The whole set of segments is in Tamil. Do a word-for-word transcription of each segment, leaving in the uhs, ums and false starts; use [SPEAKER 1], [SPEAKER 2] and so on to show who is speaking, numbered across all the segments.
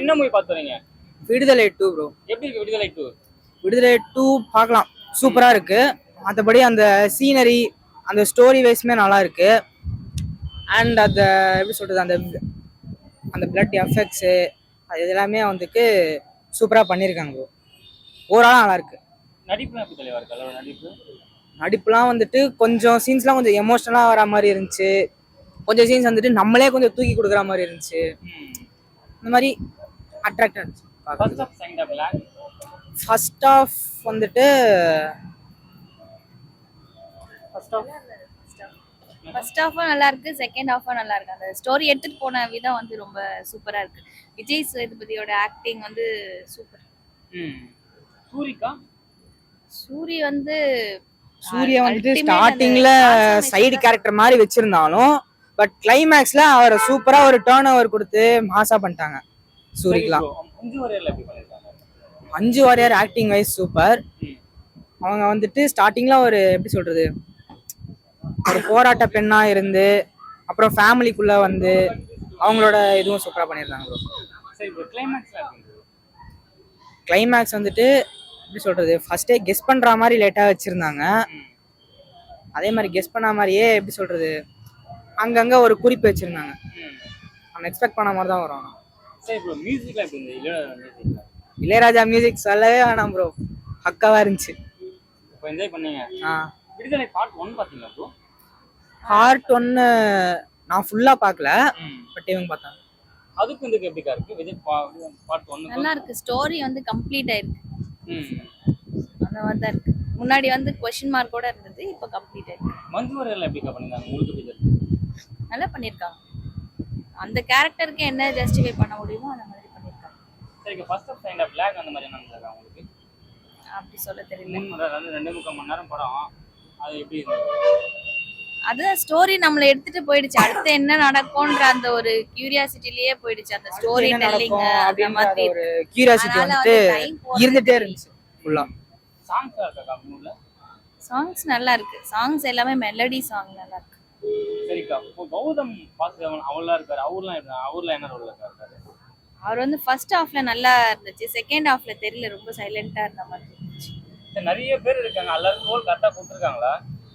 [SPEAKER 1] என்ன மூவி பாத்துறீங்க?
[SPEAKER 2] Viduthalai two bro.
[SPEAKER 1] எப்படி இருக்கு விடுதலை டூ?
[SPEAKER 2] விடுதலை டூ பார்க்கலாம், சூப்பரா இருக்கு. மற்றபடி அந்த சீனரி, அந்த ஸ்டோரி வைஸ்மே நல்லா இருக்கு. அண்ட் அந்த எப்படி சொல்றது, அந்த அந்த பிளட் எஃபெக்ட்ஸு அது எல்லாமே வந்துட்டு சூப்பராக பண்ணியிருக்காங்க ப்ரோ. ஓவராலாக நல்லா இருக்கு.
[SPEAKER 1] நடிப்புலாம் எப்படி தலைவா இருக்கு? அதோட நடிப்பு
[SPEAKER 2] நடிப்புலாம் வந்துட்டு கொஞ்சம் சீன்ஸ்லாம் கொஞ்சம் எமோஷனலாக வர மாதிரி இருந்துச்சு. கொஞ்சம் சீன்ஸ் வந்துட்டு நம்மளே கொஞ்சம் தூக்கி கொடுக்குற மாதிரி இருந்துச்சு. இந்த மாதிரி அட்ராக்ட் இருந்துச்சு. ஃபர்ஸ்ட் ஆஃப் வந்துட்டு
[SPEAKER 3] ஃபர்ஸ்ட் ஹாஃபும் நல்லா இருக்கு, செகண்ட் ஹாஃபும் நல்லா இருக்கு. அந்த ஸ்டோரி எடுத்துட்டு போன விதம் வந்து ரொம்ப சூப்பரா இருக்கு. விஜய் சேதுபதியோட ஆக்டிங் வந்து சூப்பர்.
[SPEAKER 1] சூரிகா
[SPEAKER 3] சூரி வந்து
[SPEAKER 2] சூர்யா வந்துட்டு ஸ்டார்டிங்ல சைடு கேரக்டர் மாதிரி வச்சிருந்தாலும் பட் கிளைமேக்ஸ்ல அவரை சூப்பரா ஒரு டர்ன் ஓவர் கொடுத்து மாசா பண்ணிட்டாங்க சூரிக்கலாம். அஞ்சு வாரியர் ஆக்டிங் வைஸ் சூப்பர். அவங்க வந்துட்டு ஸ்டார்டிங்ல ஒரு எப்படி சொல்றது, ஒரு போராட்ட பெண்ணா இருந்து அப்புறம் ஃபேமிலிக்குள்ள வந்து அவங்களோட இதுவும் சூப்பரா பண்ணியிருந்தாங்க ப்ரோ. கிளைமேக்ஸ் வந்துட்டு எப்படி சொல்றது, ஃபர்ஸ்டே கெஸ் பண்ற மாதிரி லேட்டா வச்சிருந்தாங்க. அதே மாதிரி கெஸ் பண்ண மாதிரியே எப்படி சொல்றது, அங்கங்க ஒரு குறிப்பு வச்சிருந்தாங்க. நம்ம எக்ஸ்பெக்ட் பண்ண மாதிரி தான் வரும். இளையராஜா மியூசிக் சொல்லவே வேணாம் ப்ரோ, பக்காவா இருந்துச்சு.
[SPEAKER 1] என்ஜாய் பண்ணீங்க? விடுதலை பார்ட் ஒன் பாத்தீங்களா ப்ரோ?
[SPEAKER 2] பார்ட் ஒன் நான் ஃபுல்லா பார்க்கல, பட் இவங்க பார்த்தாங்க.
[SPEAKER 1] அதுக்கு வந்து எப்படிக்கா இருக்கு விஜய் பார்ட் ஒன்?
[SPEAKER 3] நல்லா இருக்கு. ஸ்டோரி வந்து கம்ப்ளீட் ஆயிருக்கு. அந்த மாதிரி தான் இருக்கு. முன்னாடி வந்து क्वेश्चन மார்க் கூட இருந்தது, இப்போ கம்ப்ளீட் ஆயிருக்கு.
[SPEAKER 1] மஞ்சு வாரியர்ல எப்படிக்கா பண்ணிருக்காங்க? உங்களுக்கு எப்படி
[SPEAKER 3] நல்லா பண்ணிருக்காங்க. அந்த கேரக்டருக்கு என்ன ஜஸ்டிஃபை பண்ண முடியுமோ அந்த மாதிரி பண்ணிருக்காங்க.
[SPEAKER 1] சரிங்க. ஃபர்ஸ்ட் ஆஃப் செகண்ட் ஆஃப் லாக் அந்த மாதிரி என்ன நடந்துருக்கு உங்களுக்கு?
[SPEAKER 3] அப்படி சொல்ல தெரியல.
[SPEAKER 1] மூணு ரெண்டு முக்கால் மணி நேரம் படம், அது எப்படி இருந்துச்சு?
[SPEAKER 3] அதுதான் ஸ்டோரி நம்மள எடுத்துட்டு போயிடுச்சு. அடுத்து என்ன நடக்கும்ன்ற அந்த ஒரு கியூரியாசிட்டிலேயே போயிடுச்சு. அந்த ஸ்டோரி டெல்லிங் அந்த மாதிரி
[SPEAKER 2] ஒரு கியூரியாசிட்டி வந்துட்டு இருந்துட்டே இருந்துச்சு ஃபுல்லா.
[SPEAKER 1] சாங்ஸ் இருக்கா மூணுல?
[SPEAKER 3] சாங்ஸ் நல்லா இருக்கு. சாங்ஸ் எல்லாமே மெலடி சாங் நல்லா இருக்கு.
[SPEAKER 1] சரிக்கா. இப்போ கௌதம் வாசுதேவன் அவர்லாம் இருக்காரு, அவர்லாம் என்ன அவர்லாம் என்ன ரோல்ல இருக்காரு?
[SPEAKER 3] அவர் வந்து ஃபர்ஸ்ட் ஹாஃப்ல நல்லா இருந்துச்சு, செகண்ட் ஹாஃப்ல தெரியல, ரொம்ப சைலண்டா இருந்த மாதிரி இருந்துச்சு.
[SPEAKER 1] நிறைய பேர் இருக்காங்க, எல்லாரும் ரோல் கரெக்டா கொடுத்துருக்காங்களா?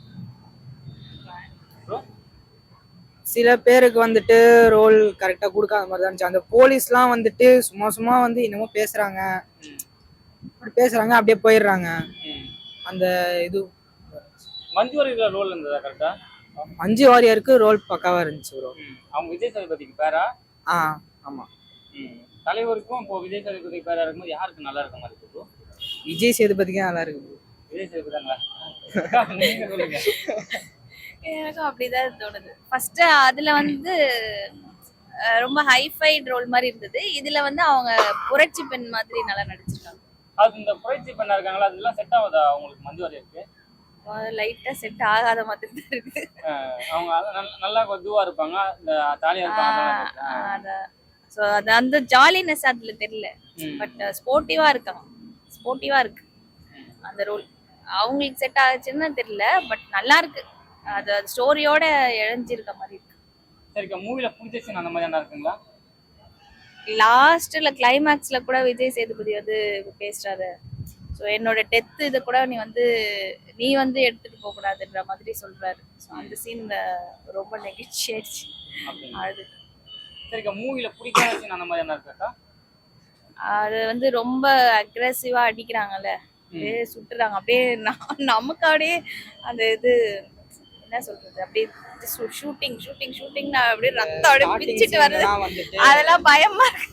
[SPEAKER 2] சில பேருக்கு வந்துட்டு ரோல் கரெக்டா கொடுக்காத மாதிரி தான் இருந்துச்சு. அந்த போலீஸ்லாம் வந்துட்டு சும்மா சும்மா வந்து என்னமோ பேசுறாங்க, அப்படி பேசுறாங்க அப்படியே போயிடுறாங்க. அந்த இது
[SPEAKER 1] மஞ்சு வாரியர் ரோல் இருந்ததா கரெக்டா?
[SPEAKER 2] மஞ்சு வாரியருக்கு ரோல் பக்காவா இருந்துச்சு ப்ரோ.
[SPEAKER 1] அவங்க விஜய் சேதுபதிக்கு பேரா?
[SPEAKER 2] ஆ ஆமா.
[SPEAKER 1] தலைவருக்கும் இப்போ விஜய் சேதுபதிக்கு பேரா இருக்கும்போது யாருக்கு நல்லா இருக்க மாதிரி இருக்கு?
[SPEAKER 2] விஜய் சேதுபதிக்கு நல்லா இருக்கு ப்ரோ.
[SPEAKER 1] விஜய் சேதுபதிங்களா? நீங்க சொல்லுங்க.
[SPEAKER 3] எனக்கும் அப்படிதான் தோணுது. ஃபர்ஸ்ட் அதுல வந்து ரொம்ப ஹைஃபைட் ரோல் மாதிரி இருந்தது, இதுல வந்து அவங்க புரட்சி பெண் மாதிரி நல்லா நடிச்சிருக்காங்க.
[SPEAKER 1] அது இந்த புரட்சி பெண்ணா இருக்காங்களா, அதெல்லாம் செட் ஆகுதா உங்களுக்கு மஞ்சு வாரியருக்கு?
[SPEAKER 3] லைட்டா செட் ஆகாத மாதிரி தான் இருக்கு.
[SPEAKER 1] அவங்க நல்லா இதுவா இருப்பாங்க, இந்த ஜாலியா இருப்பாங்க.
[SPEAKER 3] சோ அது அந்த ஜாலினஸ் அதுல தெரியல, பட் ஸ்போர்ட்டிவா இருக்காங்க. ஸ்போர்ட்டிவா இருக்கு அந்த ரோல். அவங்களுக்கு செட் ஆச்சுன்னு தெரியல, பட் நல்லா இருக்கு. அது ஸ்டோரியோட இழைஞ்சிருக்க மாதிரி இருக்கு.
[SPEAKER 1] சரிக்கா. மூவில பிடிச்ச சீன் அந்த மாதிரி என்ன இருக்குங்களா?
[SPEAKER 3] லாஸ்ட்ல கிளைமேக்ஸ்ல கூட விஜய் சேதுபதி வந்து பேசுறாரு, ஸோ என்னோட டெத் இதை கூட நீ வந்து நீ வந்து எடுத்துட்டு போக கூடாதுன்ற மாதிரி சொல்றாரு. ஸோ அந்த சீன் ரொம்ப நெகிழ்ச்சி ஆயிடுச்சு, அழுது.
[SPEAKER 1] சரிக்கா. மூவில பிடிக்காத சீன் அந்த மாதிரி என்ன இருக்காக்கா?
[SPEAKER 3] அது வந்து ரொம்ப அக்ரெசிவா அடிக்கிறாங்கல்ல, அப்படியே சுட்டுறாங்க, அப்படியே நமக்கு அப்படியே அந்த இது என்ன சொல்றது, அப்படியே ஷூட்டிங் ஷூட்டிங் ஷூட்டிங் அப்படியே ரத்தம் அப்படியே பிடிச்சிட்டு வருது, அதெல்லாம் பயமா இருக்கு.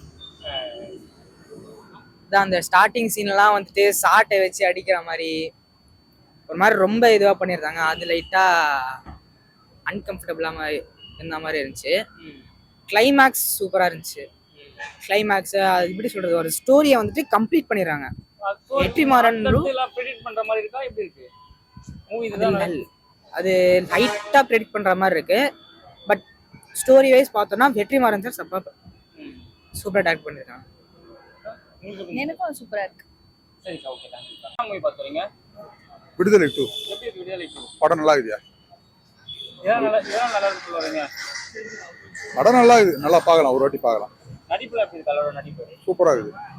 [SPEAKER 2] அந்த ஸ்டார்டிங் சீன்லாம் வந்துட்டு சாட்டை வச்சு அடிக்கிற மாதிரி ஒரு மாதிரி ரொம்ப இதுவாக பண்ணியிருந்தாங்க. அது லைட்டாக அன்கம்ஃபர்டபுளாக இருந்த மாதிரி இருந்துச்சு. கிளைமேக்ஸ் சூப்பராக இருந்துச்சு. கிளைமேக்ஸ் அது எப்படி சொல்றது, ஒரு ஸ்டோரியை வந்துட்டு கம்ப்ளீட் பண்ணிடுறாங்க. வெற்றிமாறன்
[SPEAKER 1] பண்ற மாதிரி இருக்கா, எப்படி இருக்கு மூவி?
[SPEAKER 2] அது லைட்டாக ப்ரெடிக்ட் பண்ற மாதிரி இருக்கு, பட் ஸ்டோரி வைஸ் பார்த்தோம்னா வெற்றிமாறன் சார் சப்பா சூப்பராக டாக்ட் பண்ணிருக்காங்க.
[SPEAKER 3] எனக்கும் சூப்பரா இருக்கு.
[SPEAKER 1] சரிக்கா, ஓகே, தேங்க் யூ. மூவி பாத்துறீங்க?
[SPEAKER 4] விடுதலை டூ.
[SPEAKER 1] எப்படி இருக்கு விடுதலை டூ?
[SPEAKER 4] படம் நல்லா இருக்குயா?
[SPEAKER 1] ஏன் நல்லா ஏன் நல்லா இருக்கு சொல்றீங்க?
[SPEAKER 4] படம் நல்லா இருக்குது, நல்லா பார்க்கலாம், ஒரு வாட்டி பார்க்கலாம்.
[SPEAKER 1] நடிப்புல எப்படி இருக்கு அவரோட நடிப்பு?
[SPEAKER 4] சூப்பராக இருக்குது.